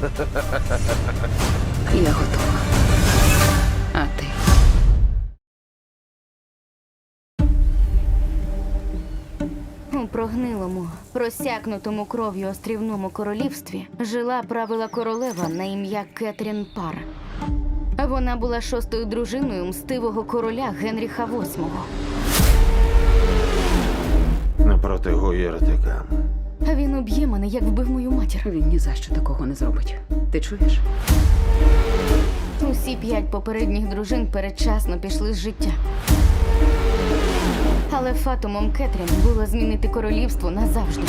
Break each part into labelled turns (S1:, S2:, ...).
S1: Я готова. А ти?
S2: У прогнилому, просякнутому кров'ю острівному королівстві жила правила королева на ім'я Кетрін Пар. Вона була шостою дружиною мстивого короля Генріха VIII.
S3: Напроти гуєртика.
S2: А він уб'є мене, як вбив мою матір.
S1: Він ні за що такого не зробить. Ти чуєш?
S2: Усі 5 попередніх дружин передчасно пішли з життя. Але фатумом Кетрін було змінити королівство назавжди.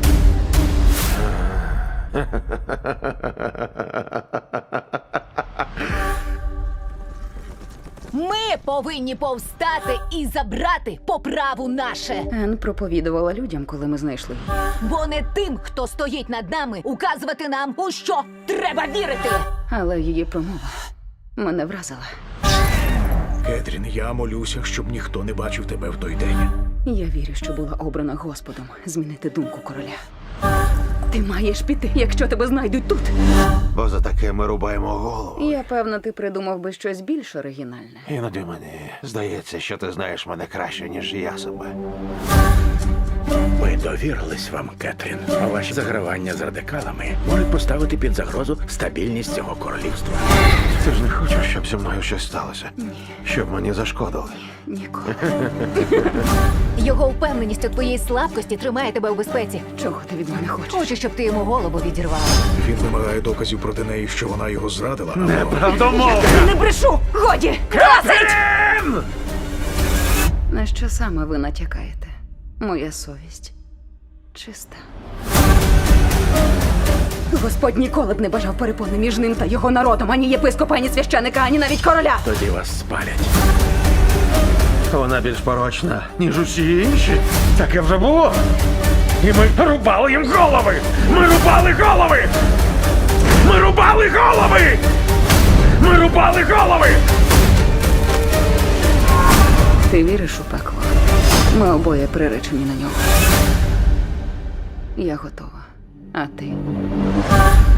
S4: Ми повинні повстати і забрати по праву наше.
S1: Ен проповідувала людям, коли ми знайшли її.
S4: Бо не тим, хто стоїть над нами, указувати нам, у що треба вірити.
S1: Але її промова мене вразила.
S5: Кетрін, я молюся, щоб ніхто не бачив тебе в той день.
S1: Я вірю, що була обрана Господом змінити думку короля. Ти маєш піти, якщо тебе знайдуть тут.
S3: Бо за таке ми рубаємо голову.
S1: Я певна, ти придумав би щось більш оригінальне.
S3: Іноді мені здається, що ти знаєш мене краще, ніж я себе.
S5: Ми довірились вам, Кетрін. А ваші загравання з радикалами можуть поставити під загрозу стабільність цього королівства.
S3: Ти ж не хочеш, щоб зі мною щось сталося? Ні. Щоб мені зашкодили.
S1: Ніколи.
S4: Його впевненість у твоїй слабкості тримає тебе у безпеці.
S1: Чого ти від мене хочеш?
S4: Хочу, щоб ти йому голову відірвала.
S5: Він вимагає доказів проти неї, що вона його зрадила.
S3: Неправдомовно!
S4: Не брешу! Годі!
S1: На що саме ви натякаєте? Моя совість чиста. Господь ніколи б не бажав перепони між ним та його народом, ані єпископа, ані священика, ані навіть короля.
S5: Тоді вас спалять.
S3: Вона більш порочна, ніж усі інші. Таке вже було. І ми рубали їм голови! Ми рубали голови! Ми рубали голови! Ми рубали голови!
S1: Ти віриш у пекло? Ми обоє приречені на нього. Я готова. А ти?